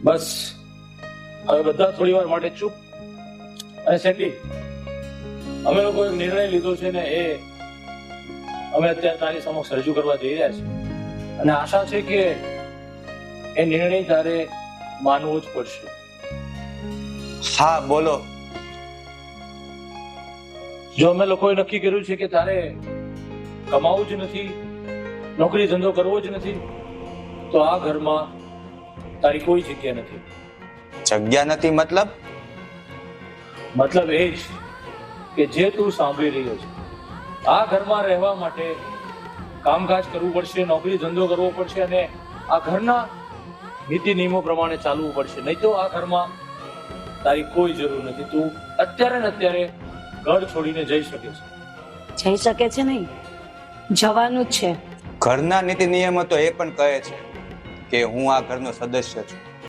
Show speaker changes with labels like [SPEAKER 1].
[SPEAKER 1] બસ હવે બધા થોડી વાર માટે ચૂપ. અને સેન્ડી, અમે લોકો એક નિર્ણય લીધો છે ને એ અમે અત્યારે તારી સમક્ષ રજૂ કરવા જઈ રહ્યા છીએ. અને આશા છે કે એ નિર્ણય તારે માનવો જ પડશે.
[SPEAKER 2] હા બોલો.
[SPEAKER 1] જો અમે લોકોએ નક્કી કર્યું છે કે તારે કમાવું જ નથી, નોકરી ધંધો કરવો જ નથી, તો આ ઘરમાં તારી કોઈ જગ્યા નથી.
[SPEAKER 2] જગ્યા નથી મતલબ?
[SPEAKER 1] મતલબ એ જ કે જે તું સાંભળી રહ્યો છે, આ ઘરમાં રહેવા માટે કામકાજ કરવું પડશે, નોકરી ધંધો કરવો પડશે અને આ ઘરના નીતિ નિયમો પ્રમાણે ચાલવું પડશે. નહીં તો આ ઘરમાં તારી કોઈ જરૂર નથી. તું અત્યારે ને અત્યારે ઘર છોડીને જઈ શકે છે.
[SPEAKER 3] જઈ શકે છે નહીં, જવાનું જ છે.
[SPEAKER 2] ઘરના નીતિ નિયમો તો એ પણ કહે છે કે હું આ ઘરનો સદસ્ય છું.